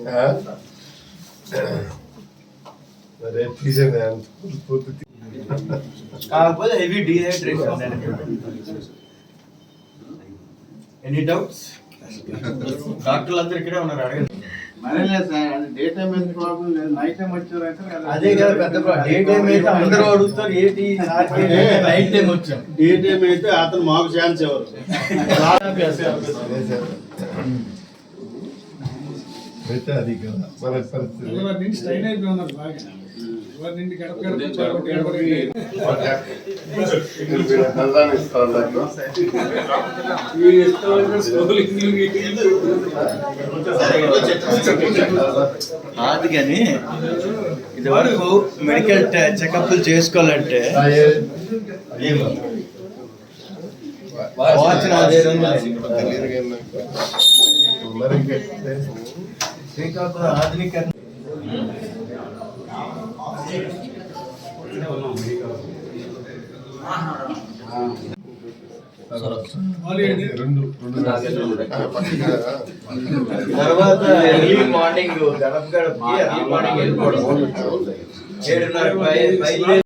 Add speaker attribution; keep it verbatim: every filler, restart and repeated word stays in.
Speaker 1: కాకపోతే heavy dehydration. Any doubts? డాక్టర్లు అందరు ఇక్కడే ఉన్నారు, అడగండి. అదే కదా పెద్ద డే టైం అయితే అందరూ అడుగుతారు ఏంటి నైట్ టైం వచ్చాం.
Speaker 2: డే టైం అయితే అతను మాకు ఛాన్స్ ఎవరు
Speaker 3: అయితే అది కదా మన పరిస్థితి.
Speaker 4: స్టైల్ అయిపోయినారు బాగా.
Speaker 1: కాదు కానీ ఇది వరకు మెడికల్ చెకప్లు చేసుకోవాలంటే శ్రీకాకుళం ఆధునిక తర్వాత ఎర్లీ మార్నింగ్ గడప గడపకి ఎర్లీ మార్నింగ్ వెళ్ళిపోవడం ఏడున్నర